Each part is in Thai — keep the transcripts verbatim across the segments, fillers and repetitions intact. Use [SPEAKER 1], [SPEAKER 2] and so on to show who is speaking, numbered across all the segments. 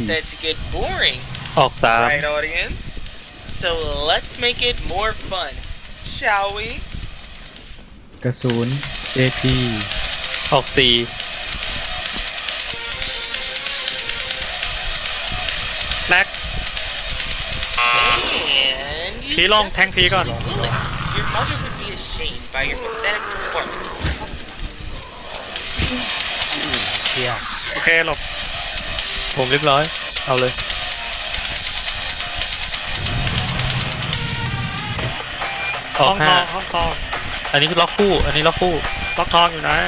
[SPEAKER 1] that to get boring,
[SPEAKER 2] ออกสาม
[SPEAKER 1] right, audience? So let's make it more fun, shall we?
[SPEAKER 3] กระสุน เอ พี
[SPEAKER 2] ออกสี่แม็ก
[SPEAKER 1] And you
[SPEAKER 2] ผีลง
[SPEAKER 1] just
[SPEAKER 2] แทงผีก่อน
[SPEAKER 1] foolish. Your mother would be ashamed by your pathetic performance.
[SPEAKER 2] เฮียโอเคหลบผมเรียบร้อยเอาเลยออกห้าห้องทองอันนี้คือล็อกคู่อันนี้ล็อกคู่ล็อกทองอยู่ไหน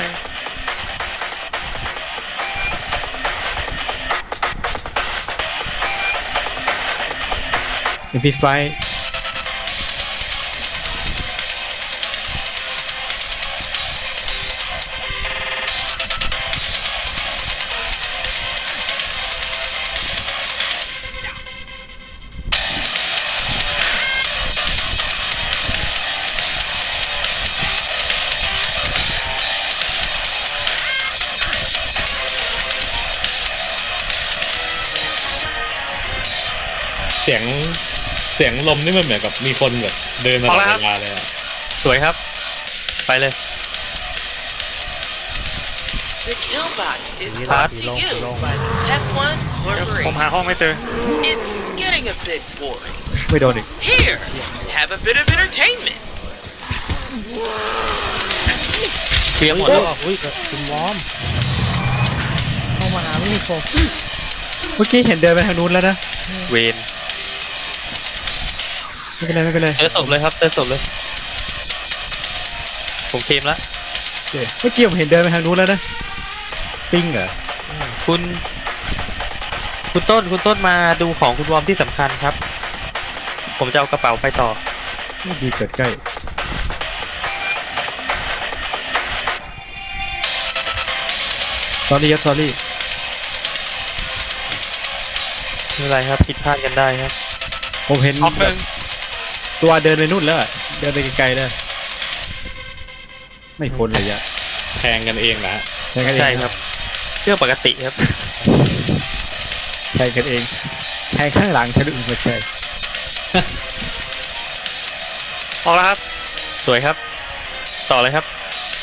[SPEAKER 3] เอ็ม พี ไฟว์
[SPEAKER 4] เสียงเสียงลมนี่มันเหมือนกับมีคนแบบเดินมาตลอดเวลาเลยอะ
[SPEAKER 2] สวยครับไปเลย
[SPEAKER 1] The kill box is
[SPEAKER 2] Pat.
[SPEAKER 1] up to you, but step one or
[SPEAKER 2] ผมหา
[SPEAKER 1] three.
[SPEAKER 2] ห้องไม่เจอ
[SPEAKER 1] It's getting a bit boring.
[SPEAKER 3] ไม่โดนอีก
[SPEAKER 1] Here, have a bit of entertainment.
[SPEAKER 2] เคลียร์หมดแล้ว
[SPEAKER 5] อุ้ยคุณวอมเข้ามาหาไม่มีโฟม
[SPEAKER 3] เมื่อกี้เห็นเดินไปทางนู้นแล้วนะ
[SPEAKER 2] เวน
[SPEAKER 3] ไม่เป็นไรไม่เป็นไร
[SPEAKER 2] เจอศพเลยครับเจอศพเลยผมเคลมแล้ว
[SPEAKER 3] โอเคเมื่อกี้ผมเห็นเดินไปทางนู้นแล้วนะ ปิ้งเหรอ
[SPEAKER 2] คุณ คุณต้นคุณต้นมาดูของคุณวอมที่สำคัญครับ ผมจะเอากระเป๋าไปต่อ
[SPEAKER 3] ไม่ดีเกิดใกล้ sorry ครับ sorry
[SPEAKER 2] ไม่เป็นไรครับผิดพลาดกันได้ครับ
[SPEAKER 3] ผมเห็น
[SPEAKER 2] ออกหนึ่ง
[SPEAKER 3] ตัวเดินไปนู่นแล้วอะเดินไปไกลๆเลยไม่พ้นระยะ
[SPEAKER 4] แทงกันเองนะฮะ
[SPEAKER 3] แทงกันเอง
[SPEAKER 2] ใช่ครับเรื่องปกติครับ
[SPEAKER 3] แทงกันเองแทงข้างหลังทะลุไม่ใช่
[SPEAKER 2] ออกแล้วครับ สวยครับ ต่อเลยครับ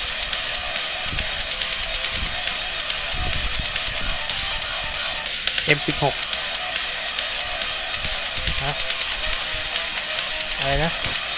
[SPEAKER 2] เอ็ม สิบหก
[SPEAKER 5] อะไรนะ